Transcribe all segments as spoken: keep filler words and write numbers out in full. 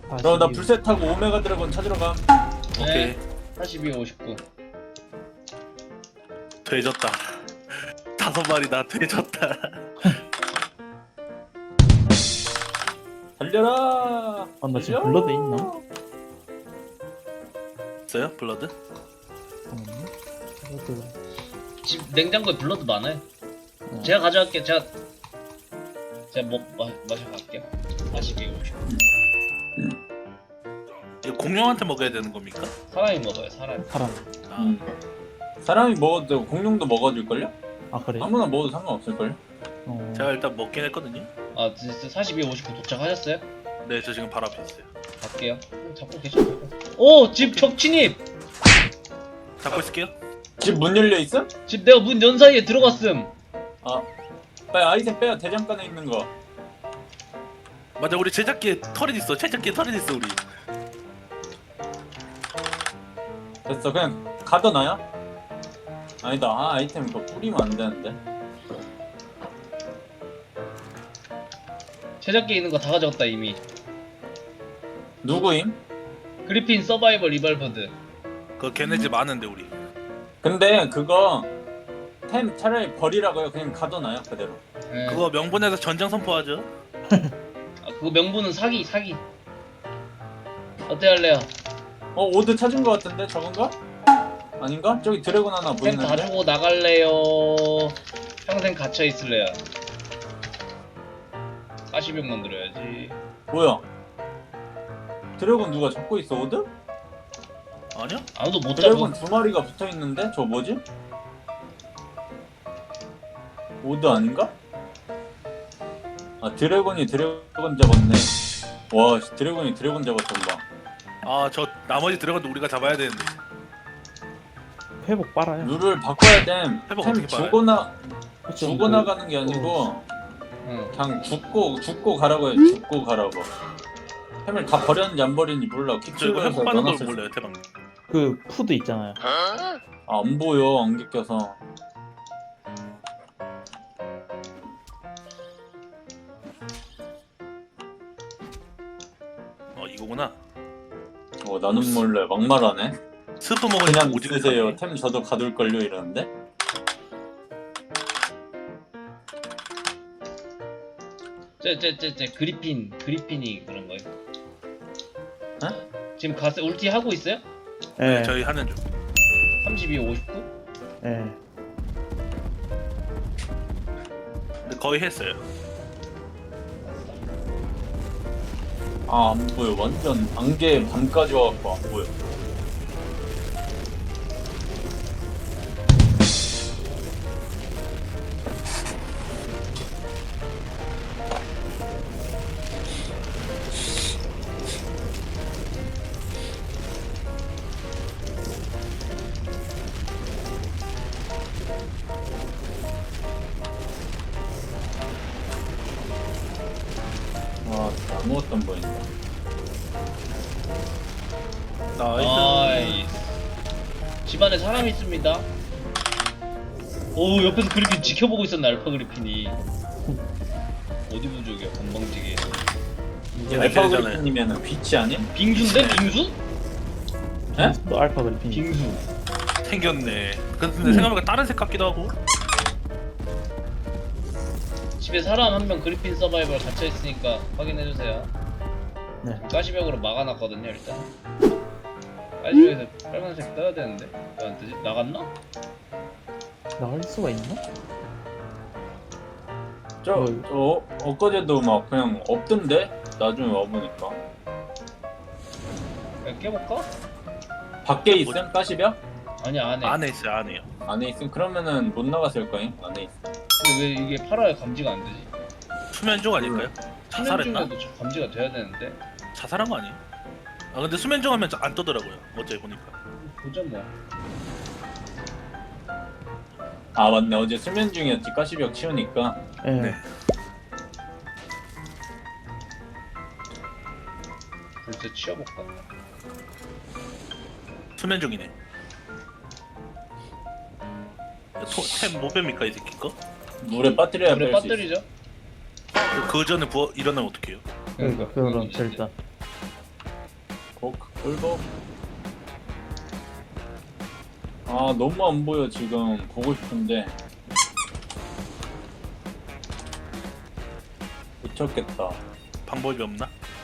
그럼 나 불새 타고 오메가 드래곤 찾으러 가. 오케이. 사십이, 오십구. 돼졌다. 다섯 마리 나 돼졌다. 달려라. 아, 나 지금 달려! 블러드 있나? 있어요? 블러드? 잠깐만요. 블러드. 집 냉장고에 블러드 많아요. 어. 제가 가져갈게요. 제가 제가 뭐 마, 마셔갈게요. 사십이, 오십구. 이거 공룡한테 먹어야 되는 겁니까? 사람이 먹어요. 사람. 사람. 아, 음. 사람이 먹어도 되고 공룡도 먹어줄걸요? 아, 그래? 아무나 먹어도 상관없을걸요? 어. 제가 일단 먹긴 했거든요. 아, 진짜 사십이, 오십구 도착하셨어요? 네, 저 지금 바로 앞에 있어요. 갈게요. 음, 잡고 계셔도 되고. 오! 집 적진입! 잡고 있을게요. 집 문 열려 있음? 집 내가 문 연 사이에 들어갔음. 아, 빨리 아이템 빼요. 대장간에 있는 거. 맞아, 우리 제작기에 털이 있어. 제작기에 털이 있어 우리. 됐어. 그냥 가둬놔요? 아니다. 아, 아이템 그거 뿌리면 안 되는데. 제작기에 있는 거 다 가져갔다 이미. 누구임? 그리핀 서바이벌 리발버드. 그 걔네 집 아는데 우리. 근데 그거 템 차라리 버리라고요. 그냥 가둬놔요 그대로. 예. 그거 명분에서 전장 선포하죠. 아, 그거 명분은 사기 사기. 어때 할래요? 어, 오드 찾은 거 같은데 저건가? 아닌가? 저기 드래곤 하나 템 다 보이는데? 주고 나갈래요? 평생 갇혀 있을래요? 사십 명 만들어야지. 뭐야? 드래곤 누가 잡고 있어 오드? 아니요? 아무도 못 드래곤 잡고. 두 마리가 붙어 있는데 저 뭐지? 오드 아닌가? 아 드래곤이 드래곤 잡았네. 와 씨, 드래곤이 드래곤 잡았던 봐. 아, 저 나머지 들어가도 우리가 잡아야 되는데. 회복 빨아요. 룰을 바꿔야 돼. 회복 템 어떻게 빨아요? 죽거나 좀 죽어나가는 게 아니고 응. 그냥 죽고 죽고 가라고 해. 죽고 가라고. 템을 다 버렸는지 안 버렸는지 몰라. 저 이거 킥킬러에서 회복하는 걸 넣어놨을 몰라요, 대박. 그 푸드 있잖아요. 아, 안 보여 안개 껴서. 어, 이거구나. 어 나는 몰래 막말하네. 스프 먹으니까 그냥 오지게 쓰세요. 사네. 템 저도 가둘걸요 이러는데. 쟤쟤쟤쟤 그리핀 그리핀이 그런 거예요. 에? 지금 가스 울티 하고 있어요? 예. 네, 저희 하는 중. 삼십이, 오십구? 예. 근데 거의 했어요. 아 안 보여. 완전 안개 밤까지 와갖고 안 보여. 와 진짜 아무것도 안 보인다. 나이스. 나이스. 집안에 사람이 있습니다. 오, 옆에서 그리핀 지켜보고 있었네. 알파 그리핀이. 어디 부족이야 건방지게. 얘네 알파 걔네잖아요. 그리핀이면은 빛이 아님? 빙수인데 빙수? 에? 또 알파 그리핀. 빙수. 생겼네. 근데 생각해보니까 다른 색 같기도 하고. 집에 사람 한 명 그리핀 서바이벌 갇혀 있으니까 확인해 주세요. 네. 가시벽으로 막아놨거든요 일단. 가시벽에서 빨간색 떠야 되는데 왜 안 뜨지? 나갔나? 나갈 수가 있나? 저, 뭐, 저 엊그제도 막 그냥 없던데? 나중에 와보니까 그냥 깨볼까? 밖에 있음? 가시벽? 아니 안해. 안에 있어요, 안에요. 안에 있음? 그러면은 못 나갔을 거임? 안에 있음. 근데 왜 이게 팔아야 감지가 안 되지? 수면종 아닐까요? 자살했나? 수면중에도 저 감지가 돼야 되는데. 자살한 거 아니에요? 아, 근데 수면종 하면 안 떠더라고요. 어제 보니까. 보자 뭐. 아 맞네. 어제 수면 중이었지. 가시벽 치우니까. 예. 네. 글쎄 치워볼까? 수면종이네. 템못 뺍니까 이 새끼 거? 물에 빠뜨려야 물에 뺄 수 있어. 빠뜨리죠? 그, 그 전에 부어 일어나면 어떡해요? 그러니까 그거는 절단. 복 꿀복. 아 너무 안 보여 지금. 보고 싶은데 못 찾겠다. 방법이 없나?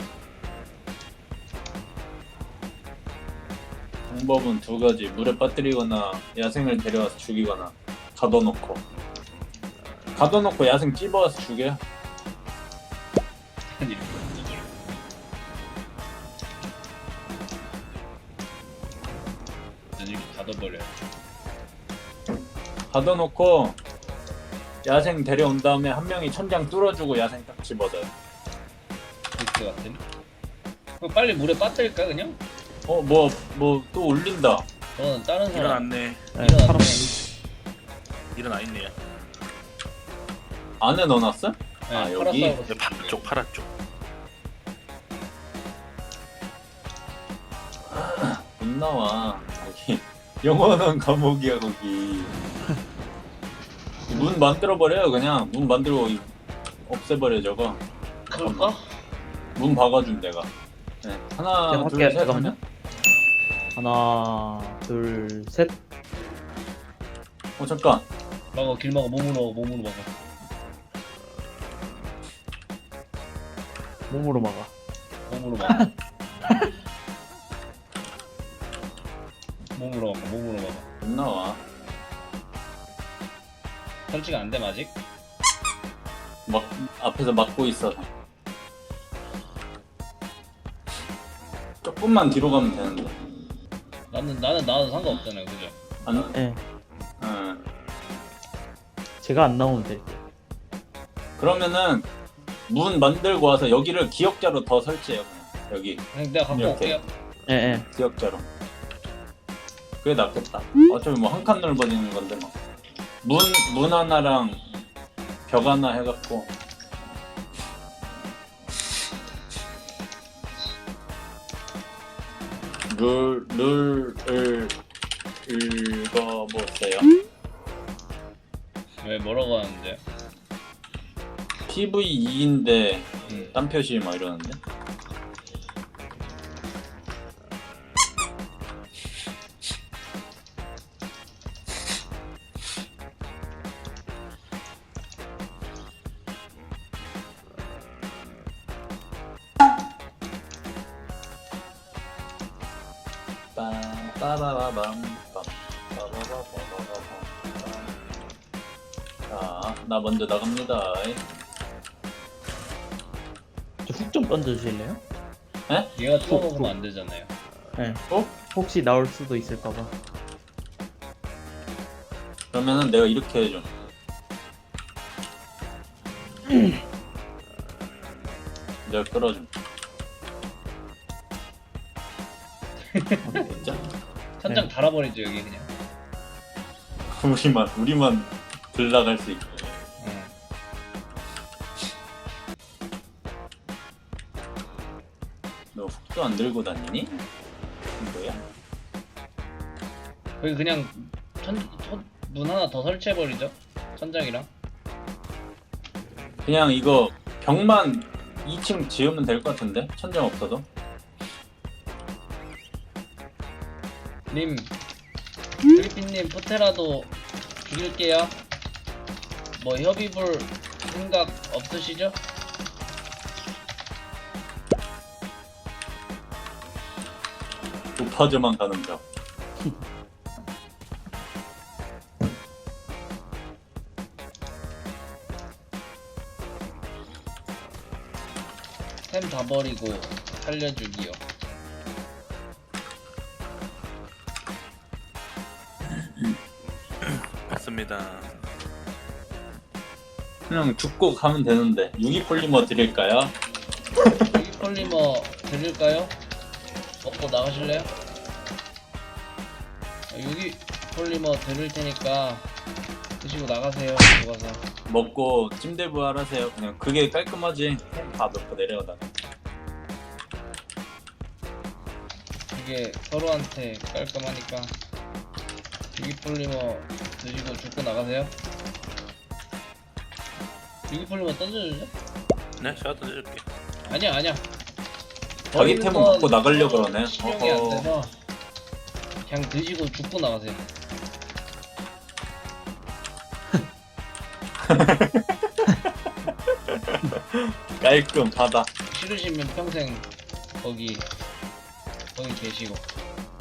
방법은 두 가지. 물에 빠뜨리거나 야생을 데려와서 죽이거나 가둬놓고 가둬놓고 야생 찝어와서 죽여. 아니 이렇게 닫아버려. 가둬놓고 야생 데려온 다음에 한 명이 천장 뚫어주고 야생 딱 집어넣어요. 그 같은. 그럼 빨리 물에 빠뜨릴까 그냥? 어 뭐 뭐 또 올린다. 너는 다른 사람. 일어났네. 네, 일어났네. 사람 일어나 있네요. 안에 넣어놨어? 네, 아, 여기? 파라사우루스 네, 파라 쪽, 파라 쪽. 못 나와 거기. 영원한 감옥이야 거기. 문 만들어버려요 그냥. 문 만들고 이- 없애버려 저거. 그럴까? 문 박아준 내가. 네. 하나 제가 둘 할게요, 셋 잠깐만요. 하면. 하나, 둘, 셋. 어 잠깐. 막어 길 막어 몸으로 막어 몸으로 막어. 몸으로 막아. 몸으로 막어. 몸으로 막어 몸으로 막어. 못 나와. 설치가 안 돼 아직? 막 앞에서 막고 있어서. 조금만 뒤로 가면 되는데. 나는 나는 나와도 상관없잖아요, 그죠? 안. 예. 응. 제가 안 나오면 될 듯. 그러면은 문 만들고 와서 여기를 기억자로 더 설치해요 그냥. 여기 그냥 내가 갖고 이렇게. 올게요. 예, 예. 기억자로. 그게 낫겠다. 어차피 뭐 한 칸 넓어지는 건데 뭐. 문, 문 하나랑 벽 하나 해갖고. 룰, 룰을 읽어보세요. 왜 뭐라고 하는데? 피브이 이인데 음. 딴 표시 막 이러는데. 빠바바밤 빠바바바바바밤. 자, 나 먼저 나갑니다. 저 훅 좀 던져주실래요? 얘가 뚫어 먹으면 안 되잖아요. 예. 어? 혹시 나올 수도 있을까봐. 그러면은 내가 이렇게 해줘. 내가 끌어줌. 진짜? 천장 달아버리죠 여기 그냥. 우리만 우리만 들나갈 수 있게. 응. 너 훅도 안 들고 다니니? 뭐야? 거기 그냥 천, 천, 문 하나 더 설치해버리죠. 천장이랑. 그냥 이거 벽만 이 층 지으면 될 것 같은데? 천장 없어도? 님, 필리핀님 포테라도 죽일게요. 뭐 협의볼 생각 없으시죠? 높아져만 가는 벽. 템 다 버리고 살려주기요. 맞습니다. 그냥 죽고 가면 되는데. 유기폴리머 드릴까요? 유기폴리머 드릴까요? 먹고 나가실래요? 아, 유기폴리머 드릴 테니까 드시고 나가세요. 들어가서. 먹고 찜대부 하라세요. 그냥 그게 깔끔하지. 다 넣고 내려가다가. 이게 서로한테 깔끔하니까 유기폴리머 드시고 죽고 나가세요. 유기폴리머 던져줄래? 네, 제가 던져줄게. 아니야 아니야. 자기 템은 먹고 나가려 그러네. 실력이 안 어허. 돼서 그냥 드시고 죽고 나가세요. 깔끔하다. 싫으시면 평생 거기 거기 계시고.